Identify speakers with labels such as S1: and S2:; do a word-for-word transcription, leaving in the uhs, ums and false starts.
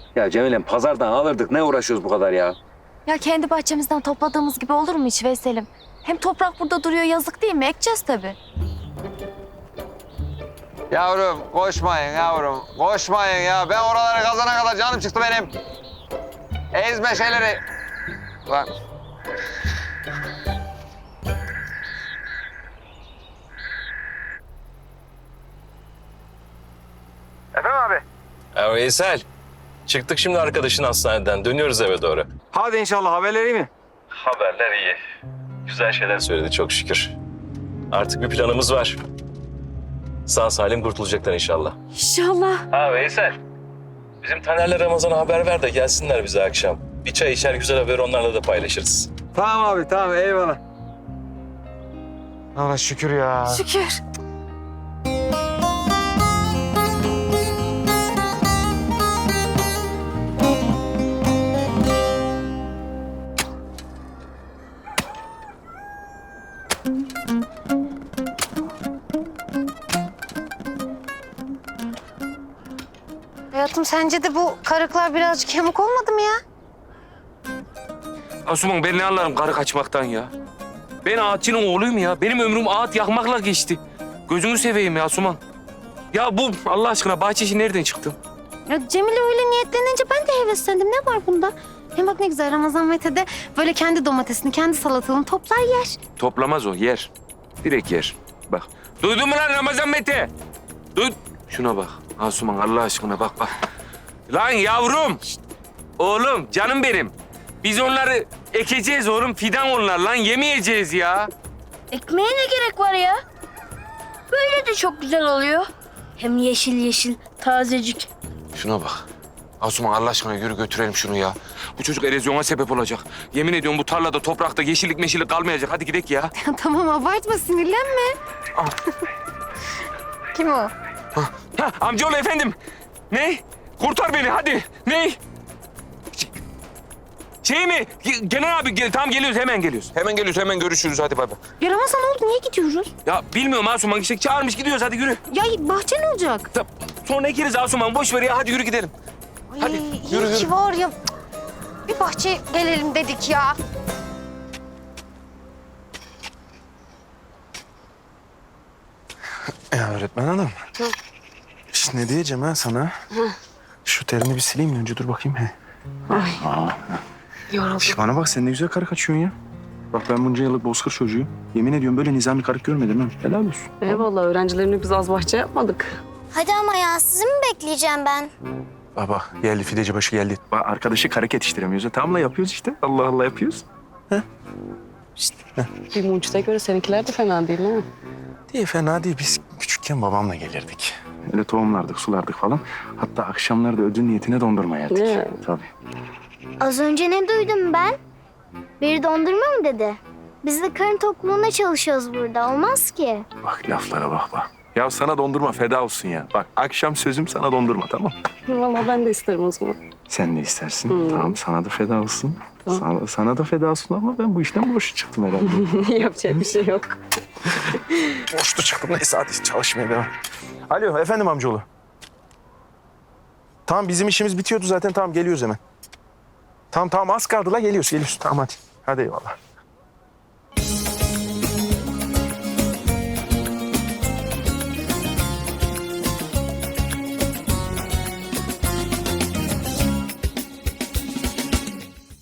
S1: Ya Cemilem pazardan alırdık. Ne uğraşıyoruz bu kadar ya?
S2: Ya kendi bahçemizden topladığımız gibi olur mu hiç Veysel'im? Hem toprak burada duruyor, yazık değil mi? Ekeceğiz tabii.
S3: Yavrum koşmayın yavrum. Koşmayın ya. Ben oraları kazana kadar canım çıktı benim. Ezme şeyleri. Lan.
S4: Efendim abi?
S5: Ya Veysel, çıktık şimdi arkadaşın hastaneden. Dönüyoruz eve doğru.
S4: Hadi inşallah, haberleri iyi mi?
S5: Haberler iyi. Güzel şeyler söyledi çok şükür. Artık bir planımız var. Sağ salim kurtulacaklar inşallah.
S2: İnşallah.
S5: Ha Veysel, bizim Taner'le Ramazan'a haber ver de gelsinler bize akşam. Bir çay içer, güzel haberi onlarla da paylaşırız.
S4: Tamam abi, tamam, eyvallah. Allah şükür ya.
S2: Şükür.
S6: Hayatım sence de bu karıklar birazcık yamuk olmadı mı ya?
S7: Asuman ben ne anlarım karı kaçmaktan ya. Ben ağaççının oğluyum ya. Benim ömrüm ağaç yakmakla geçti. Gözünü seveyim ya Asuman. Ya bu Allah aşkına bahçe işi nereden çıktı?
S6: Ya Cemile öyle niyetlenince ben de heveslendim. Ne var bunda? Hem bak ne güzel Ramazan Mete de böyle kendi domatesini, kendi salatalığını toplar yer.
S7: Toplamaz o, yer. Direkt yer. Bak. Duydun mu lan Ramazan Mete? Duy... Şuna bak. Asuman Allah aşkına bak bak. Lan yavrum. Şişt. Oğlum canım benim. Biz onları ekeceğiz oğlum. Fidan onlar lan. Yemeyeceğiz ya.
S8: Ekmeğe ne gerek var ya? Böyle de çok güzel oluyor. Hem yeşil yeşil, tazecik.
S7: Şuna bak. Asuman Allah aşkına yürü götürelim şunu ya. Bu çocuk erozyona sebep olacak. Yemin ediyorum bu tarlada, toprakta yeşillik meşillik kalmayacak. Hadi gidelim ya.
S6: Tamam abartma, sinirlenme. Kim o?
S7: Ha, amcaoğlu efendim. Ne? Kurtar beni hadi. Ne? Ş- Şey mi? Ge- Genel abi gel, tamam geliyoruz hemen geliyoruz. Hemen geliyoruz hemen görüşürüz hadi bay bay.
S6: Ya Ramazan oldu, niye gidiyoruz?
S7: Ya bilmiyorum Asuman işte çağırmış gidiyoruz hadi yürü.
S6: Ya bahçe ne olacak?
S7: Ta- Sonra ekeriz Asuman boş ver ya hadi yürü gidelim.
S6: Ay,
S7: Hadi,
S6: iyi
S7: yürü,
S6: ki
S7: yürü.
S6: var ya. Bir bahçe gelelim dedik ya.
S9: Ya öğretmen hanım. Şimdi ne diyeceğim ha sana? Şu terini bir sileyim mi önce, dur bakayım. He. Ay. Yoruldum. Şş, bana bak sen ne güzel karı kaçıyorsun ya. Bak ben bunca yıllık bozkır çocuğuyum. Yemin ediyorum böyle nizami karı görmedim ha. Helal olsun.
S10: Eyvallah, öğrencilerini biz az bahçe yapmadık.
S8: Hadi ama ya, sizi mi bekleyeceğim ben?
S9: Baba geldi, fideci başı geldi. Bak arkadaşı karı yetiştiremiyoruz. ya. Tamamla yapıyoruz işte. Allah Allah yapıyoruz.
S10: Bir mucide göre seninkiler de fena değil mi?
S9: Diye fena değil. Biz küçükken babamla gelirdik. Öyle tohumlardık, sulardık falan. Hatta akşamları da ödül niyetine dondurma yerdik.
S10: Ne?
S9: Tabii.
S8: Az önce ne duydum ben? Biri dondurma mı dedi? Biz de karın tokluğuna çalışıyoruz burada. Olmaz ki.
S9: Bak laflara bak bak. Ya sana dondurma feda olsun ya. Bak akşam sözüm sana dondurma, tamam.
S10: Vallahi ben de isterim o zaman.
S9: Sen ne istersin? Tamam sana da feda olsun. Sana, sana da feda olsun ama ben bu işten boş çıktım herhalde.
S10: Yapacak bir şey yok.
S9: Boştu çıktım. Neyse hadi çalışmaya devam. Alo efendim amcaoğlu. Tamam bizim işimiz bitiyordu zaten. Tamam geliyoruz hemen. Tamam tamam az kaldı la, geliyoruz geliyoruz. Tamam hadi. Hadi eyvallah.